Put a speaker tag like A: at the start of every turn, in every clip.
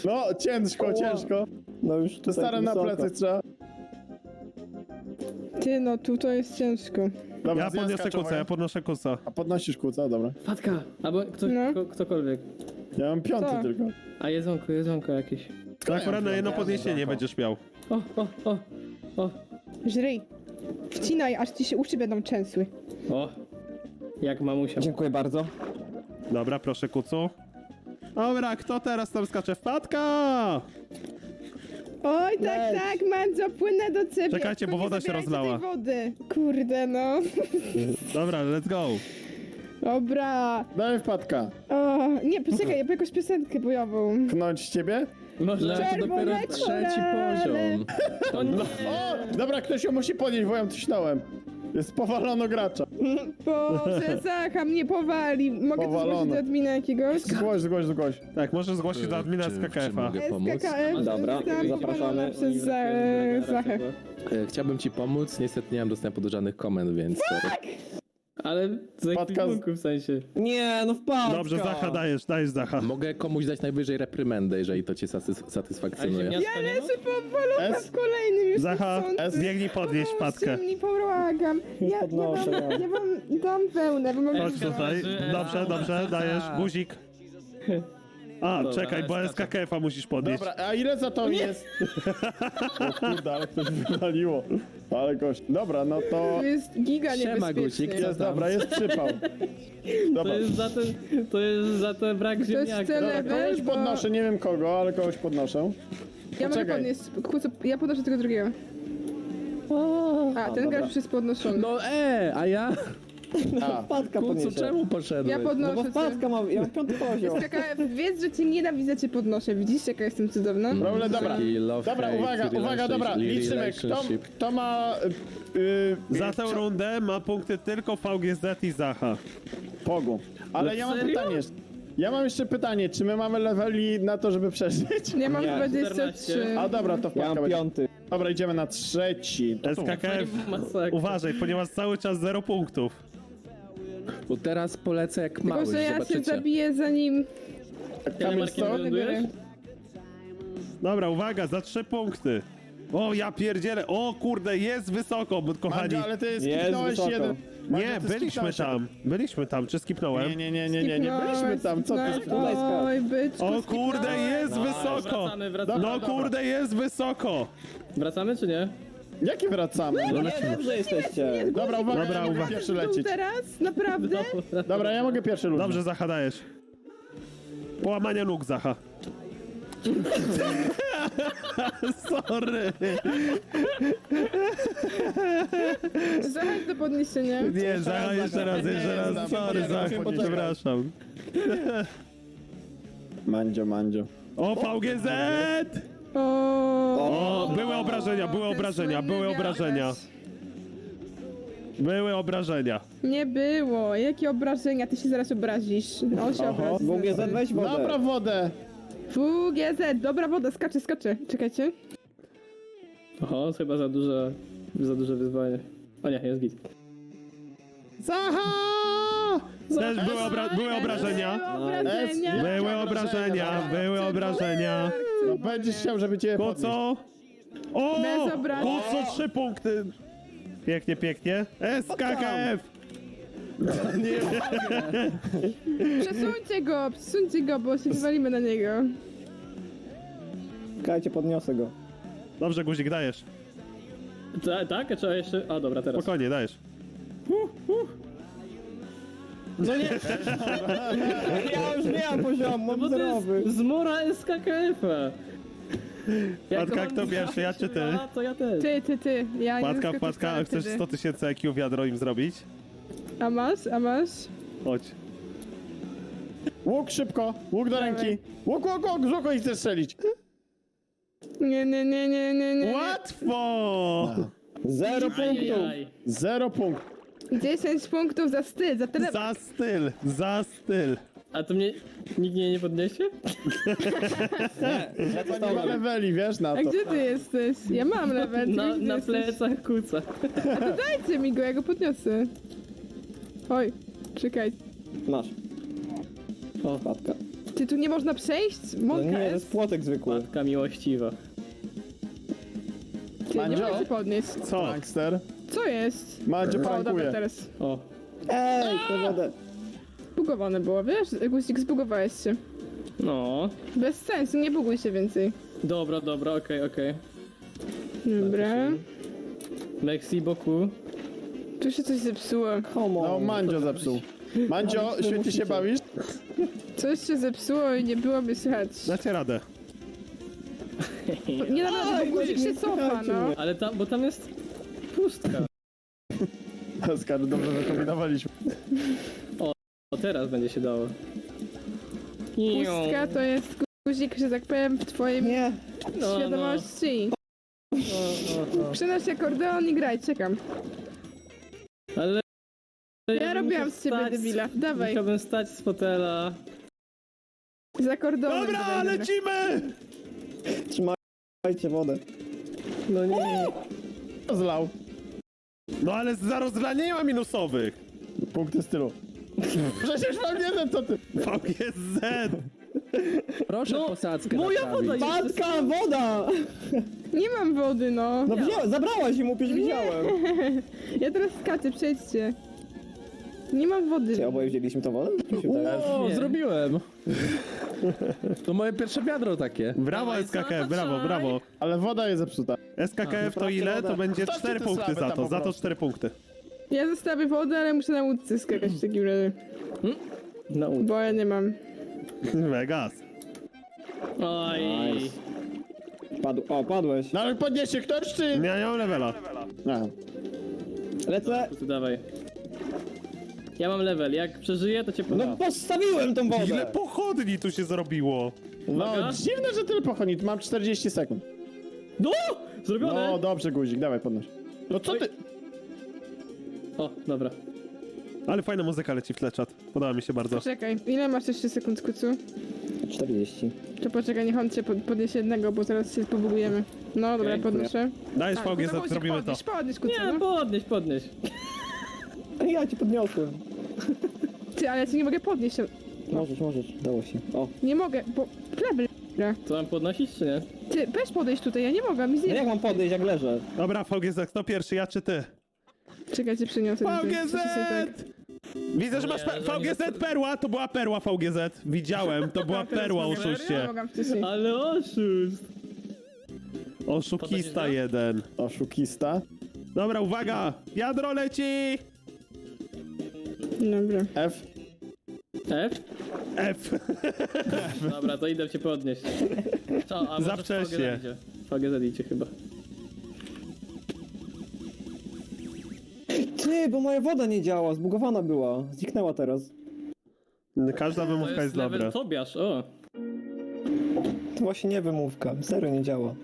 A: No, ciężko, ciężko.
B: No już
A: To stare na plecy trzeba.
C: Ty, no tu to jest ciężko.
A: Dobra,
D: Ja podniosę
A: skaczowa.
D: kuca, ja podnoszę kuca.
A: A podnosisz kuca, dobra.
E: Fatka! Albo
C: No.
E: ktokolwiek.
A: Ja mam piąty
C: Co?
A: tylko.
E: A jedzonko jakieś.
D: To akurat na jedno
A: Ja
D: podniesienie
A: mam
D: będziesz miał.
E: O!
C: Żryj. Wcinaj, aż ci się uszy będą trzęsły.
E: O! Jak mamusia.
B: Dziękuję bardzo.
D: Dobra, proszę kucu. Dobra, kto teraz tam skacze? Wpadka!
C: Oj, tak,
B: Leć.
C: tak, Mandzio, płynę do ciebie.
D: Czekajcie,
C: Tylko
D: bo
C: nie
D: woda się
C: zabierajcie
D: rozlała.
C: tej wody. Kurde, no.
D: Dobra, let's go.
C: Dobra.
A: Daj wpadka.
C: O, nie, poczekaj, ja jakąś piosenkę bojową.
A: Knąć ciebie?
E: Może to dopiero
C: Czerwone
E: trzeci
C: korale.
E: poziom. O nie!
A: O! Dobra, ktoś ją musi podnieść, bo ją tyśnąłem. Jest powalono gracza.
C: Boże, Zacha mnie powali. Mogę to
A: Powalone.
C: zgłosić do admina jakiegoś?
A: Zgłoś.
D: Tak, możesz zgłosić do admina z KKF-a.
F: mogę pomóc?
C: SKKF
B: Dobra,
C: zostałam
B: zapraszamy.
C: powalona przez Zachę.
F: Chciałbym ci pomóc, niestety nie mam dostępu do żadnych komend, więc...
E: Ale z
A: Wpadka z-
E: ekwipunku w sensie.
B: Nie, no wpadka.
D: Dobrze, Zacha, dajesz Zacha.
F: Mogę komuś dać najwyżej reprymendę, jeżeli to cię
E: A
F: satysfakcjonuje.
E: ziemniaczka nie ma?
C: Leży powalona
A: S.
C: w kolejnym już
D: Zacha,
C: chcący.
D: biegnij podnieść wpadkę.
C: Mi pomagam. Ja
B: podnoszę,
C: dam wełnę, bo mam...
D: Chodź tutaj. Dobrze, dajesz. Guzik. A,
E: Dobra,
D: czekaj, bo
E: skaczę.
D: SKKF-a musisz podnieść.
A: Dobra, a ile za to jest? O kurde, ale ktoś wywaliło. Ale gość. Dobra, no to...
C: To jest giga
F: Siema,
C: niebezpieczny.
F: Guzik, co
A: Jest, dobra, jest przypał. Dobra.
E: To jest za ten brak
C: jest
E: ziemniaka.
C: cel-
A: Dobra, kogoś
C: level, bo-
A: podnoszę, nie wiem kogo, ale kogoś podnoszę.
C: Ja mogę
A: Poczekaj.
C: podnieść, ja podnoszę tego drugiego. A, ten gracz już jest podnoszony.
F: No a ja?
A: A,
B: Wpadka
F: Kucu,
B: podniesie.
F: czemu poszedłeś?
C: Ja
B: No bo
C: podnoszę cię.
B: wpadka ma, ja mam 5 poziom.
C: SKKF, wiedz, że cię nienawidzę, cię podnoszę. Widzisz, jaka jestem cudowna?
A: problem, dobra.
F: Taki love,
A: Dobra,
F: hate,
A: uwaga, dobra, liczymy.
F: relationship.
A: Kto ma...
D: Za tę rundę ma punkty tylko VGZ i Zacha.
A: Pogu. Ale ja mam
E: serio?
A: pytanie. Ja mam jeszcze pytanie, czy my mamy leveli na to, żeby przeżyć?
C: Ja mam
B: Nie.
C: 23.
A: A dobra, to
B: Ja
A: wpadka
B: mam
A: będzie.
B: 5.
A: Dobra, idziemy na trzeci. To tu.
D: SKKF,
E: Masakra.
D: uważaj, ponieważ cały czas 0 punktów.
F: Bo teraz polecę jak
C: Tylko,
F: mały,
C: że ja się
F: zobaczycie.
C: zabiję zanim...
A: Kamil
E: Markiem
A: Stok?
E: wylądujesz?
D: Dobra, uwaga, za 3 punkty. O, ja pierdzielę. O kurde, jest wysoko, kochani.
A: Mandzio, ale ty
B: Jest
A: skipnąłeś
B: wysoko.
A: jeden. Mandzio,
D: Nie,
A: ty
D: byliśmy
A: skipnąłeś.
D: tam. Byliśmy tam, czy skipnąłem?
A: Nie, byliśmy tam, co ty skipnąłeś?
C: Oj, byczku,
D: O kurde, jest wysoko.
E: Wracamy.
D: No kurde, jest wysoko.
E: Wracamy czy nie?
A: Jakie wracamy?
B: Nie, dobrze jesteście.
A: Dobra, uwaga,
D: Dobra,
A: ja mogę
D: uwaga.
A: pierwszy
C: Tu
A: lecieć.
C: teraz? Naprawdę?
A: Dobra, ja mogę pierwszy lecieć.
D: Dobrze, Zacha, dajesz. Połamania nóg, Zacha. Sorry.
C: Zachęć do podniesienia.
D: Nie, Zacha, jeszcze raz. Sorry, Zacha, przepraszam.
A: Mandzio.
D: O, VGZ! O, były obrażenia. Były obrażenia.
C: Nie było. Jakie obrażenia? Ty się zaraz obrazisz. On się obrazi.
B: WGZ weź wodę.
A: Dobra, wodę.
C: WGZ, dobra woda, skacze. Czekajcie.
E: Oho, chyba za duże wyzwanie. O nie, jest git.
A: Zaha!
D: Też były obrażenia. Były obrażenia.
A: No będziesz chciał, żeby cię podnieść.
D: Kuco! O!
C: Bez obrażeń.
D: Kuco, 3 punkty. Pięknie. SKKF!
C: Przesuńcie go, bo się wywalimy na niego.
B: Czekajcie, podniosę go.
D: Dobrze, Guzik, dajesz.
E: Tak? A trzeba jeszcze... A dobra, teraz.
D: Spokojnie, dajesz.
B: Ja już nie mam poziomu,
E: Bo
B: mam
E: to
B: zerowy.
E: jest zmora SKKF-a.
D: Wpadka, kto pierwszy, ja czy ty?
E: A, to ja też.
C: Ty. Ja nie
D: Wpadka,
C: zaskoczę
D: a
C: wcale
D: chcesz
C: wtedy.
D: 100 000 IQ wiadro im zrobić?
C: A masz?
D: Chodź.
A: Łuk szybko, łuk do ręki. Łuk, i chcesz strzelić.
C: Nie.
D: Łatwo!
B: 0 punktów.
E: Ajajaj.
A: 0 punktów.
C: 10 punktów za styl, za tyle.
D: Za styl.
E: A to mnie... Nikt mnie nie podniesie?
A: To nie ma leveli, wiesz, na
C: A
A: to.
C: gdzie ty jesteś? Ja mam level. ty
E: Na
C: gdzie jesteś?
E: plecach kuca.
C: Dajcie mi go, ja go podniosę. Oj, czekaj.
B: Masz. O, wpadka.
C: Ty tu nie można przejść?
B: No
C: Mąka
B: nie, to
C: jest.
B: jest płotek zwykły.
E: Matka miłościwa.
C: Ty, nie
A: Mandzio?
C: mogę się podnieść.
D: Co?
A: Prankster.
C: Co jest?
A: Mandzio
C: O, dobra,
A: prankuje.
C: teraz.
E: O,
B: Ej, tę wodę.
C: Bugowane było, wiesz? Guzik, zbugowałeś się.
E: no.
C: Bez sensu, nie buguj się więcej.
E: Dobra, okej.
C: Dobra.
E: Merci beaucoup.
C: Tu się coś zepsuło.
B: Come
A: No,
B: on.
A: Mandzio zepsuł. Mandzio, świetnie się bawisz?
C: Coś się zepsuło i nie byłoby słychać.
D: Dacie radę.
C: Nie naprawdę, bo guzik się cofa, no.
E: Ale tam, bo tam jest pustka.
A: Oskar, dobrze wykombinowaliśmy.
E: O, teraz będzie się dało.
C: Pustka to jest guzik, że tak powiem, w twoim
B: Nie.
E: No,
C: świadomości. Przynoś akordeon i graj, czekam.
E: Ale...
C: Ja robiłam z ciebie debila. Dawaj,
E: Musiałbym stać z fotela.
C: z akordeonem.
D: Dobra,
C: dawaj,
D: lecimy!
B: Trzymajcie wodę.
E: No nie.
A: Zlał.
D: No ale za rozlanie nie ma minusowych.
A: Punkty stylu. Przecież mam jeden, co ty?
D: VGZ!
F: Proszę posadzkę
E: Moja
F: naprawić.
E: woda jest...
B: Matka, woda!
C: Nie mam wody, no.
B: No wziąłem, zabrałaś im, przecież widziałem.
C: Ja teraz skaczę, przejdźcie. Nie mam wody.
B: Czy oboje wzięliśmy tą wodę? Mi się wydaje.
F: O,
E: Nie.
F: zrobiłem! To moje pierwsze wiadro takie.
D: Brawo
E: Dawaj,
D: SKKF,
E: zataczaj.
D: brawo.
A: Ale woda jest zepsuta.
D: SKKF to
B: naprawcie
D: ile?
B: wodę.
D: To będzie
A: Zostawcie
D: 4
A: te
D: punkty
A: slaby
D: za
A: tam
D: to.
A: po
D: Za to
A: prostu.
D: 4 punkty.
C: Ja zostawię wodę, ale muszę na łódce skakać w takim razie.
E: No,
C: Bo ja nie mam.
D: Vegas.
E: oj.
B: Nice. O, padłeś.
A: No ale podniesie ktoś, czy...
D: Ja nie mam levela.
A: A.
B: Lecę.
E: To dawaj. Ja mam level, jak przeżyję, to cię
B: No
E: podam.
B: postawiłem tą
D: Ile
B: wodę.
D: pochodni tu się zrobiło?
A: No,
E: Uwaga.
A: dziwne, że tyle pochonić. Mam 40 sekund.
E: No! Zrobione!
A: No, dobrze, guzik, dawaj podnoś. No co ty?
E: O, dobra.
D: Ale fajna muzyka leci w tle, czat. Podoba mi się bardzo.
C: Czekaj, ile masz jeszcze sekund, kucu?
B: 40.
C: To poczekaj, niech on cię podniesie jednego, bo zaraz się pobugujemy. No dobra,
B: Okej,
C: podnoszę.
D: Dajesz
C: Tak,
D: VGZ,
C: guzik,
D: zrobimy to.
C: podnieś, kucu,
E: Nie,
C: no.
E: podnieś.
B: Ja cię podniosłem.
C: Ty, ale ja cię nie mogę podnieść.
B: Możesz, dało się. O.
C: Nie mogę, bo... Kleber.
E: Co mam podnosić, czy nie?
C: Ty, weź podejść tutaj, ja nie mogę, mi
B: No jak
C: zje...
B: mam podejść, jak leżę?
D: Dobra, VGZ, kto pierwszy, ja czy ty?
C: Czekaj, cię przyniosę. tutaj.
D: VGZ!
C: Co ty sobie tak-
D: Widzę, że masz
E: Nie, że nie
D: VGZ
E: zapod-
D: perła, to była perła VGZ. Widziałem, to była perła,
C: Nie
D: oszuście.
C: mogę wcześniej.
E: Ale oszust!
D: Oszukista jeden.
A: Oszukista.
D: Dobra, uwaga! Wiadro leci!
C: Dobra.
A: F.
E: F?
D: F.
E: Dobra, to idę cię podnieść. Co, a
D: Za
E: może
D: wcześnie.
E: VGZ idzie chyba.
B: Ty, bo moja woda nie działa, zbugowana była. Zniknęła teraz.
D: Każda
E: To
D: wymówka jest
E: jest level
D: dobra.
E: Tobiasz, o!
B: To właśnie nie wymówka, serio nie działa.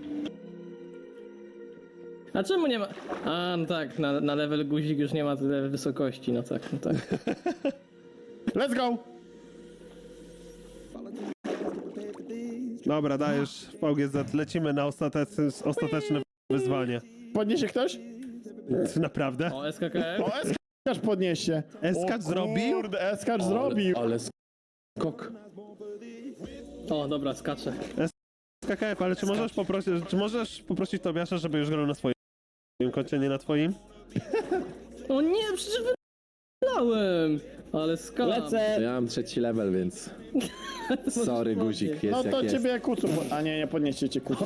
E: A czemu nie ma... A, no tak, na level guzik już nie ma tyle wysokości, no tak.
A: Let's go!
D: Dobra, dajesz VGZ, lecimy na ostateczne wyzwanie.
A: Podniesie ktoś?
D: Naprawdę?
E: O, SKKF?
A: O, Eskacz podniesie.
D: Eskacz zrobił?
A: Kurde, Eskacz zrobił.
F: Ale skok.
E: O, dobra, skaczę.
D: KKF, ale czy możesz poprosić Tobiasza, żeby już grał na swoim koncie, nie na twoim?
E: O nie, przecież wylałem! Ale skam.
B: Lecę!
F: Ja mam 3 level, więc... Sorry, guzik, jest
A: No
F: jak
A: to
F: jest.
A: ciebie kucu. A nie podnieście cię kucu.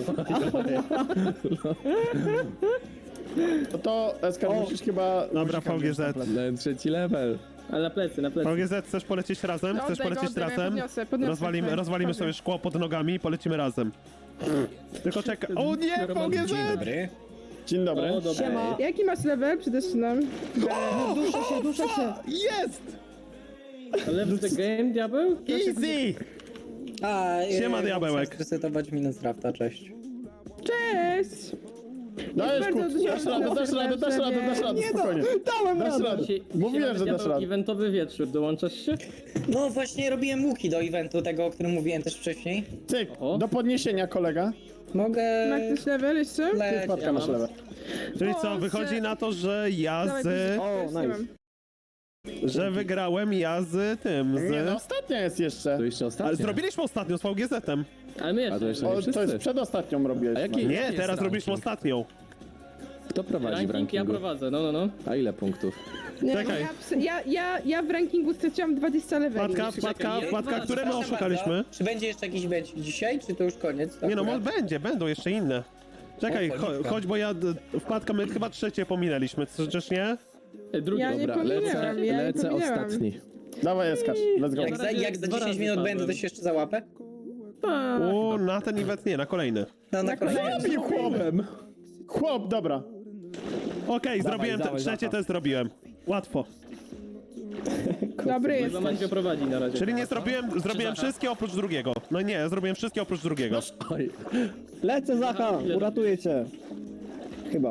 A: No to Eskacz musisz chyba...
D: Dobra,
A: guzika wziąć
D: VGZ.
A: na plecy.
F: Dałem 3 level.
E: Ale na plecy.
D: VGZ, chcesz polecieć razem? Chcesz
C: Oddaj go,
D: polecieć
C: oddaj, ja
D: razem?
C: podniosę,
D: Rozwalimy sobie szkło pod nogami i polecimy razem. Tylko czekaj. O nie, VGZ!
A: Dzień dobry.
E: O, dobra.
B: Siema!
C: Jaki masz level? Przydetrzynam.
B: Duszę się!
D: Jest!
E: Left the game, diabeł?
D: Easy!
G: A,
D: Siema, diabełek.
G: Resetować Minecrafta, cześć.
C: Cześć!
A: Dajesz
C: bardzo
A: kucu,
C: dużo
A: dasz radę, dasz radę, dasz radę, dasz radę, spokojnie.
B: Dałem
A: Dasz
B: radę!
A: radę.
E: Dzisiaj
A: Mówiłem,
E: mamy
A: że dasz
E: diabeł
A: radę.
E: eventowy wieczór, dołączasz się?
G: No właśnie robiłem łuki do eventu, tego o którym mówiłem też wcześniej.
A: Cyk,
E: Oho.
A: do podniesienia kolega.
G: Mogę
C: Ma ktoś level jeszcze?
G: leć.
A: Wpadka masz lewe.
D: Czyli
C: O,
D: co, wychodzi na to, że ja
C: Dawaj,
D: z...
C: guzik.
B: O,
C: Już nie
B: nice.
C: mam.
D: że wygrałem ja z tym,
A: Nie, no
D: z...
A: ostatnia jest jeszcze.
F: To jeszcze
D: Ale
F: ostatnia.
D: zrobiliśmy ostatnio z VGZ-em.
E: Ale my
F: A to
E: jeszcze.
F: jeszcze nie
A: O, to
F: wszyscy.
A: jest przedostatnią robiłeś.
F: A jaki-
D: Nie,
F: jest
D: teraz robiliśmy
F: ranking?
D: ostatnią.
F: Kto prowadzi w
E: Ranking ja
F: rankingu?
E: prowadzę, no.
F: A ile punktów?
C: Nie,
D: Czekaj.
C: ja w rankingu straciłam 20 leveli.
D: Wpadka, które my
G: Przepraszam
D: oszukaliśmy?
G: bardzo. Czy będzie jeszcze jakiś mecz dzisiaj, czy to już koniec?
D: Nie no,
G: akurat?
D: będą jeszcze inne. Czekaj,
G: O, cholipka.
D: chodź, bo Wpadka, my chyba trzecie pominęliśmy, czyż nie?
E: Drugi.
C: Ja nie
F: Dobra,
C: pominęłam, ja nie
F: lecę
C: pominęłam.
F: ostatni.
A: Dawaj, Eskacz, let's go.
G: Jak za 10 minut będę, to się jeszcze załapę?
D: Na ten event nie, na kolejny.
G: No na kolejny.
A: Zabił chłopem! Chłop, dobra.
D: Okej, zrobiłem
A: dawaj,
D: trzecie
A: Zacha.
D: też zrobiłem. Łatwo.
C: Dobry
E: Chyba Mandzio
C: jesteś.
E: prowadzi na razie.
D: Czyli nie zrobiłem wszystkie oprócz drugiego. No nie, zrobiłem wszystkie oprócz drugiego.
F: Oj,
B: Lecę, Zacha, uratuję cię. Chyba.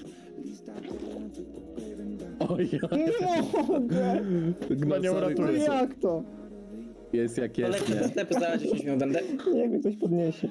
F: oj,
B: Nie mogę!
A: Chyba nie
F: sorry,
A: uratuje.
B: No jak to?
F: Jest jak
G: To
F: jest,
G: lecę do
F: nie?
G: sklepu za 10 minut będę.
B: Jak mnie ktoś podniesie?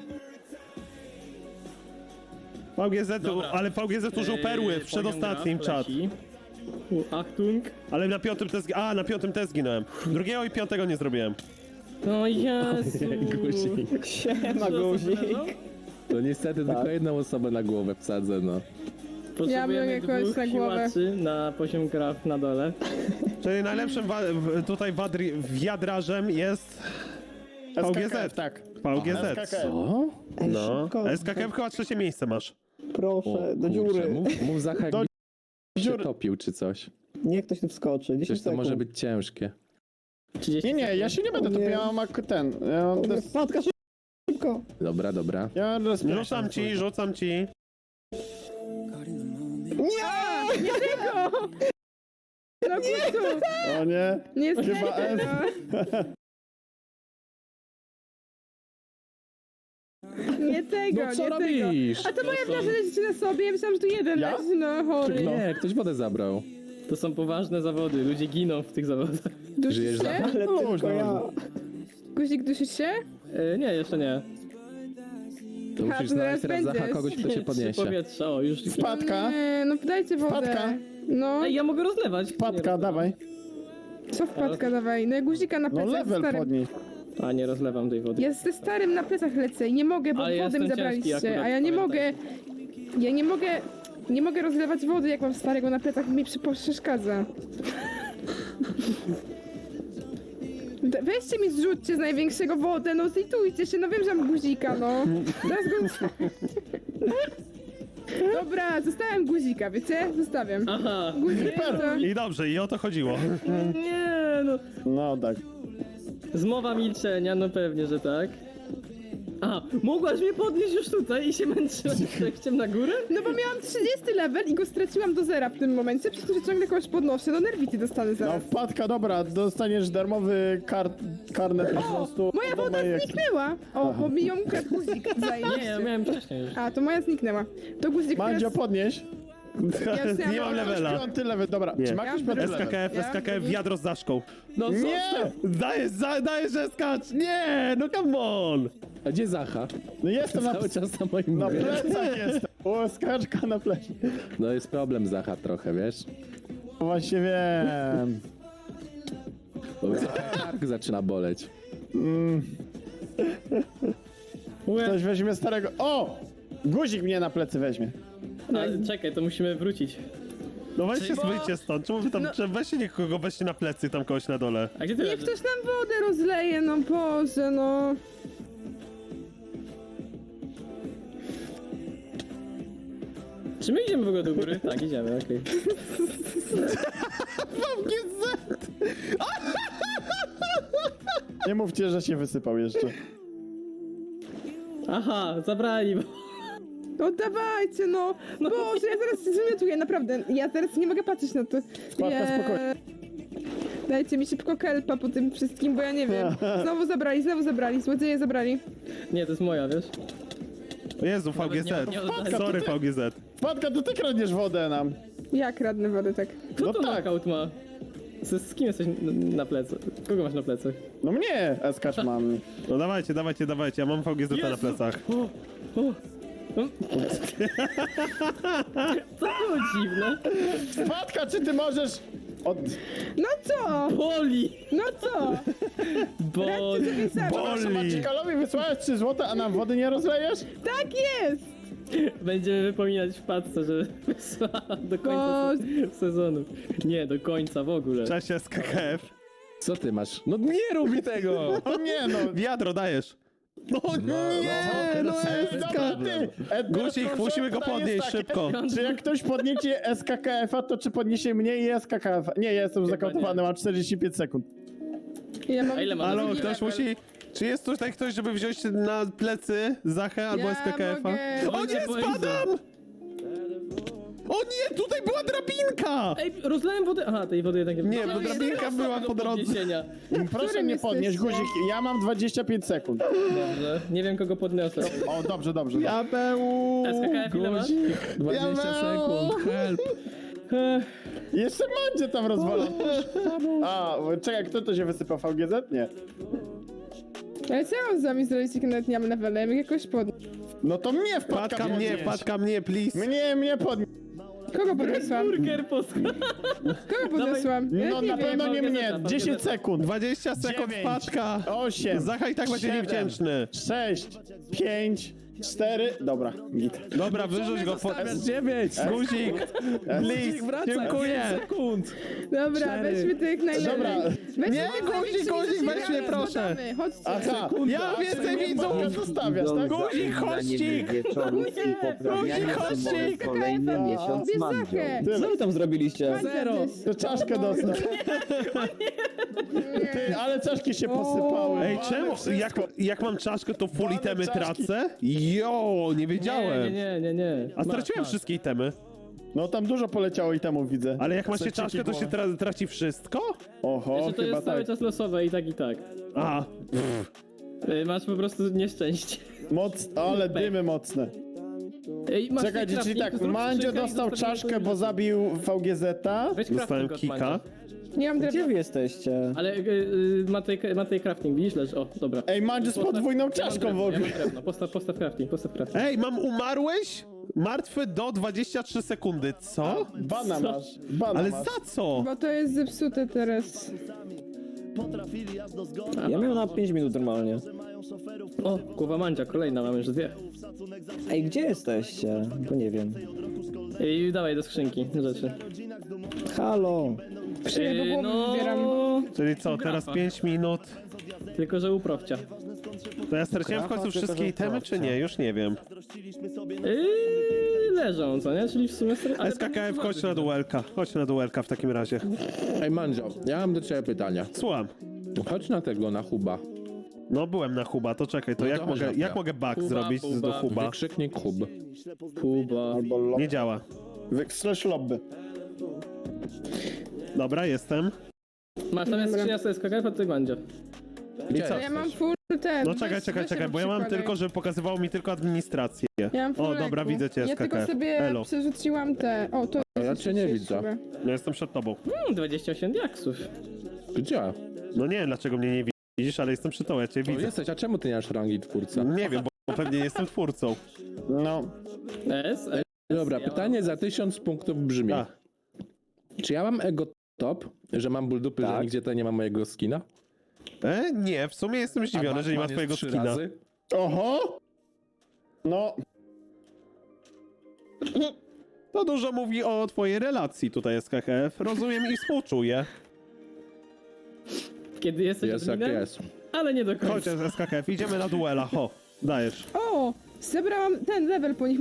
D: VGZ,
E: Dobra.
D: ale VGZ użył perły w przedostatnim czat.
E: Achtung.
D: Ale na piątym też zginąłem. Drugiego i piątego nie zrobiłem.
E: No Jezu.
F: Guzik.
B: Siema, guzik.
F: To niestety tylko jedną osobę na głowę wsadzę, no.
E: Potrzebujemy
C: Ja bym jakoś
E: dwóch
C: na głowę.
E: siłaczy na poziom craft na dole.
D: Czyli najlepszym tutaj wiadrażem jest
A: SKKF, tak.
D: VGZ.
A: SKKF.
F: Co?
B: Ej,
D: No,
B: szybko,
D: SKKF chyba trzecie miejsce masz.
B: proszę, do
F: kurczę,
B: dziury.
F: Mów Zacha,
A: Do
F: jakby się
A: dziury.
F: topił czy coś.
B: Niech ktoś tu wskoczy. 10
F: Przecież to
B: sekund.
F: może być ciężkie.
E: 30
A: Nie, ja się nie będę
B: O nie.
A: topił, ja mam ten. Ja mam des...
B: Wpadka, szybko.
F: Dobra, dobra.
A: Ja mam des...
D: Rzucam ci.
C: No kurczę,
A: O nie.
C: niestety.
A: Chyba S.
C: Nie tego,
F: No co
C: nie
F: robisz?
C: tego. A to moja wrażenie leży na sobie, ja myślałam, że tu jeden
A: Ja?
C: leży, no chory.
F: Nie, ktoś wodę zabrał.
E: To są poważne zawody, ludzie giną w tych zawodach.
C: Dusisz
F: Żyjesz
C: się?
F: za-
B: Ale
A: Można,
B: tylko ja.
C: Guzik, dusisz się?
E: Nie, jeszcze nie.
F: To
C: A,
F: musisz
C: to zaraz
F: znaleźć teraz Zacha
C: będziesz.
F: kogoś, kto się
E: Trzy
F: podniesie.
E: powietrza, o już.
A: Wpadka.
C: Nie, no dajcie wodę.
A: Wpadka.
C: No,
E: Ej, ja mogę rozlewać. Nie
A: Wpadka,
E: rozlewam.
A: dawaj.
C: co wpadka dawaj? No ja guzika na
A: No
C: plecach
A: level
C: starym.
A: podnieś.
E: A, nie rozlewam tej wody.
C: Ja ze starym na plecach lecę i nie mogę, bo
E: Ale ja
C: wodę mi
E: jestem ciężki
C: zabraliście,
E: akurat,
C: a ja nie
E: pamiętaj.
C: mogę. Ja nie mogę rozlewać wody, jak mam starego na plecach, mi przeszkadza. Weźcie mi zrzućcie z największego wodę, no zlitujcie się, no wiem, że mam guzika, no. Teraz go... Dobra, zostawiam guzika, wiecie? Zostawiam.
E: Aha.
C: Guzik to...
D: I dobrze, i o to chodziło.
E: Nie, no.
A: No tak.
E: Zmowa milczenia, no pewnie, że tak. A, mogłaś mnie podnieść już tutaj i się męczyłaś przejściem na górę?
C: No bo miałam 30 level i go straciłam do zera w tym momencie, przez to, że ciągle kogoś podnoszę, no nerwity dostanę
A: No
C: zaraz.
A: wpadka, dobra, dostaniesz darmowy karnet po prostu.
C: Moja
A: do
C: woda
A: mojej-
C: zniknęła! O, bo mi ją ukradł guzik,
E: Nie, ja
C: zajebiście.
E: miałem wcześniej już.
C: A, to moja zniknęła. To guzik
A: Mandzio,
C: teraz...
A: podnieś.
C: Ja już
D: Nie mam levela.
A: Piąty level, dobra.
D: Nie.
A: Czy ma ktoś
C: Ja
A: piąty
C: mam
A: level?
D: SKKF, wiadro z zaszką.
F: No co?
A: Nie!
D: Dajesz, że skacz! Nie, no come on!
F: A gdzie Zacha?
A: No jestem na,
F: Cały czas na moim
A: na
F: mówię.
A: plecach jestem. O, skaczka na plecach.
F: No jest problem Zacha trochę, wiesz?
A: Właśnie wiem.
F: Bo kark zaczyna boleć.
A: Ktoś weźmie starego. O! Guzik mnie na plecy weźmie.
E: A, czekaj, to musimy wrócić.
D: No weźcie, wyjdźcie stąd, czemu wy tam, weźcie nikogo, weźcie na plecy tam kogoś na dole.
E: A gdzie ty
C: Niech
E: leżysz?
C: ktoś nam wodę rozleje, no Boże, no.
E: Czy my idziemy w ogóle do góry? Tak, idziemy, okej.
A: Nie mówcie, że się wysypał jeszcze.
E: Aha, zabrali.
C: No dawajcie, no. Boże, ja zaraz się wymiotuję, naprawdę. Ja teraz nie mogę patrzeć na to.
A: Spadka, spokojnie.
C: Dajcie mi szybko kelpa po tym wszystkim, bo ja nie wiem. Znowu zabrali, złodzieje zabrali.
E: Nie, to jest moja, wiesz?
D: O Jezu,
E: Nawet
D: VGZ.
E: nie oddaję.
D: Sorry, VGZ.
A: Wpadka, to ty kradniesz wodę nam.
C: Ja kradnę wodę, tak.
E: Kto
A: No
E: to
A: tak.
E: knockout ma? Z kim jesteś na plecy? Kogo masz na plecach?
A: No mnie, skacz mam.
D: No dawajcie, ja mam VGZ na plecach.
E: To było dziwne.
A: Wpadka, czy ty możesz
C: No co?
E: Boli!
C: No co?
E: Boli!
C: Radźcie sobie sami.
D: Boli!
A: Macikalowi wysłałeś 3 złote, a nam wody nie rozlejesz?
C: Tak jest!
E: Będziemy wypominać w paczce, że wysłała do końca sezonu. Nie, do końca w ogóle.
D: Cześć SKKF.
F: Co ty masz? No nie rób mi tego!
A: O nie no.
D: Wiadro dajesz. No nie, no
A: Ej, dobra, ty.
D: Guzik,
A: teraz
D: musimy go
A: pytanie jest
D: podnieść
A: takie,
D: szybko.
A: Czy jak ktoś podniesie SKKF-a, to czy podniesie mnie i SKKF? Nie, ja jestem zakautowany, mam 45 sekund.
C: Ja mam...
E: A ile ma
D: Halo,
E: drugi
D: ktoś
E: level?
D: musi... Czy jest tutaj ktoś, żeby wziąć na plecy Zachę albo
C: Ja
D: SKKF-a?
C: mogę.
D: O nie,
E: Będzie
D: spadam! O nie, tutaj była drabinka!
E: Ej, rozlałem wodę. Aha, tej wody jednak nie
D: Nie,
E: No,
D: bo
E: jest
D: drabinka
E: osoba
D: była
E: do
D: po drodze.
E: podniesienia.
A: Proszę
C: którym
A: mnie podnieść,
C: jesteście?
A: guzik, ja mam 25 sekund.
E: Dobrze, nie wiem kogo podniosę.
A: O, dobrze, dobrze.
D: Diabeł!
E: SKKF ile masz?
F: 20 sekund, help!
A: Jeszcze Mandzie tam rozwala. A, czekaj, kto to się wysypał? VGZ? Nie.
C: Ale co ja mam z wami zrobić, jak nawet nie mam levela? Ja mogę jakoś podnieść.
A: No to mnie
D: Wpadka mnie, please.
A: Mnie podnieś.
C: Kogo podniosłam?
E: Burger poska.
C: Kogo podniosłam? Ja
A: No
C: nie
A: na
C: wiem.
A: pewno nie mnie.
E: VGZ-a.
A: 10 sekund.
D: 20 sekund
A: 9,
D: wpadka.
A: 8.
D: Zacha i tak będzie
A: 7,
D: niewdzięczny.
A: 6, 5, 4. Dobra, git.
D: Dobra, wyrzuć go pod...
F: S9!
D: Guzik, please, dziękuję.
F: sekund!
C: Dobra,
F: 4.
C: weźmy to jak najlepiej.
A: Dobra.
C: Weźmy
D: Nie,
C: to
D: guzik, guzik, weź mnie, proszę.
C: Zbadamy. Chodźcie.
A: Aha,
D: Ja więcej widzów!
A: zostawiasz, tak?
D: Guzik, chodźcik! Guzik, chodźcik!
H: Kolejny miesiąc
C: Bierz
H: mandzio.
C: Zachę.
B: Co wy tam zrobiliście?
C: Zero.
A: To czaszkę dostał. Ty, ale czaszki się posypały.
D: Ej,
A: Ale
D: czemu?
A: wszystko.
D: Jak mam czaszkę, to full
A: Mamy
D: itemy
A: czaszki.
D: tracę? Jo, nie wiedziałem.
E: Nie.
D: A straciłem wszystkie itemy.
A: No tam dużo poleciało i temu widzę.
D: Ale jak ma się
A: Seciki
D: czaszkę, to się
A: głowę.
D: traci wszystko?
A: Oho,
E: Jeszcze to
A: chyba
E: jest cały
A: tak.
E: czas losowe i tak i tak.
D: A,
E: Masz po prostu nieszczęście.
A: Ale dymy mocne.
E: Ej, masz
A: Czekajcie,
E: crafting,
A: czyli tak,
E: zrób
A: Mandzio
E: skrzynkę i
A: dostał
E: zostawimy
A: czaszkę,
E: to
A: bo zabił VGZ-a.
E: Weź
D: dostałem
E: crafting od
D: kika.
E: Mandzia.
C: Nie mam
B: Gdzie
C: drewna.
B: wy jesteście?
E: Ale Matej crafting, widzisz? Leż, o, dobra.
A: Ej, Mandzio z podwójną czaszką w ogóle.
E: Ja mam drewno. Postaw crafting.
D: Ej, mam umarłeś? Martwy do 23 sekundy, co?
A: Bana masz. Bana
D: Ale
A: masz.
D: za co?
C: Bo to jest zepsute teraz.
B: Ja miałem na 5 minut normalnie.
E: O, głowa Mandzia, kolejna, mamy już 2.
B: Ej, gdzie jesteście? Bo nie wiem.
E: I dawaj do skrzynki rzeczy.
B: Halo!
C: Krzyję, bo głowę wybieram.
D: Czyli co, teraz 5 minut?
E: Tylko, że u profcia.
D: To ja straciłem w końcu
B: Grafa,
D: wszystkie
B: tylko, że
D: itemy, czy nie? Już nie wiem.
E: Leżą, co nie? Czyli w sumie... ale
D: SKKF, chodź na duelka. Chodź na duelka w takim razie.
F: Ej, Mandzio, ja mam do ciebie pytania.
D: Słucham.
F: Chodź na tego, na huba.
D: No byłem na huba, to czekaj, to
F: No to
D: jak
F: chodź
D: mogę,
F: na
D: jak
F: to.
D: mogę bug
E: Huba,
D: zrobić
E: huba.
D: do huba?
F: Wykrzyknik hub.
E: Kuba.
A: Albo lob.
D: Nie działa.
A: Slash lobby.
D: Dobra, jestem.
E: Masz tam jest skrzynia z SKKF, a ty Mandzio.
F: Gdzie
C: Ja mam full ten.
D: No
C: weź-
D: czekaj,
C: weź
D: bo ja mam
C: przykładaj.
D: tylko, żeby pokazywało mi tylko administrację.
C: Ja mam full
D: O, dobra,
C: leku.
D: widzę cię,
C: Ja tylko
D: SKKF.
C: sobie
D: Elo.
C: przerzuciłam te... O, to
F: A ja
C: jest
F: cię nie
C: jeszcze
F: widzę.
C: chyba.
D: No jestem przed tobą.
E: 28 diaksów.
F: Gdzie?
D: No nie wiem, dlaczego mnie nie widzisz, ale jestem przed tobą, ja cię
F: To
D: widzę.
F: jesteś, a czemu ty nie masz rangi twórca?
D: Nie wiem, bo pewnie nie jestem twórcą.
A: No.
F: Dobra, pytanie za 1000 punktów brzmi.
D: A,
F: Czy ja mam ego top, że mam ból dupy, że
B: Tak.
F: nigdzie tutaj nie ma mojego skina?
D: nie, w sumie jestem zdziwiony, że nie ma
F: Batman jest
D: twojego
F: 3
D: skina.
F: razy?
A: Oho! No,
D: To dużo mówi o twojej relacji tutaj SKKF. Rozumiem i współczuję.
E: Kiedy jesteś
F: Jest jak
E: adminem,
F: jest.
E: ale nie do końca.
D: Chodź SKKF, idziemy na duela, ho. Dajesz.
C: O! Zebrałam ten level po nich.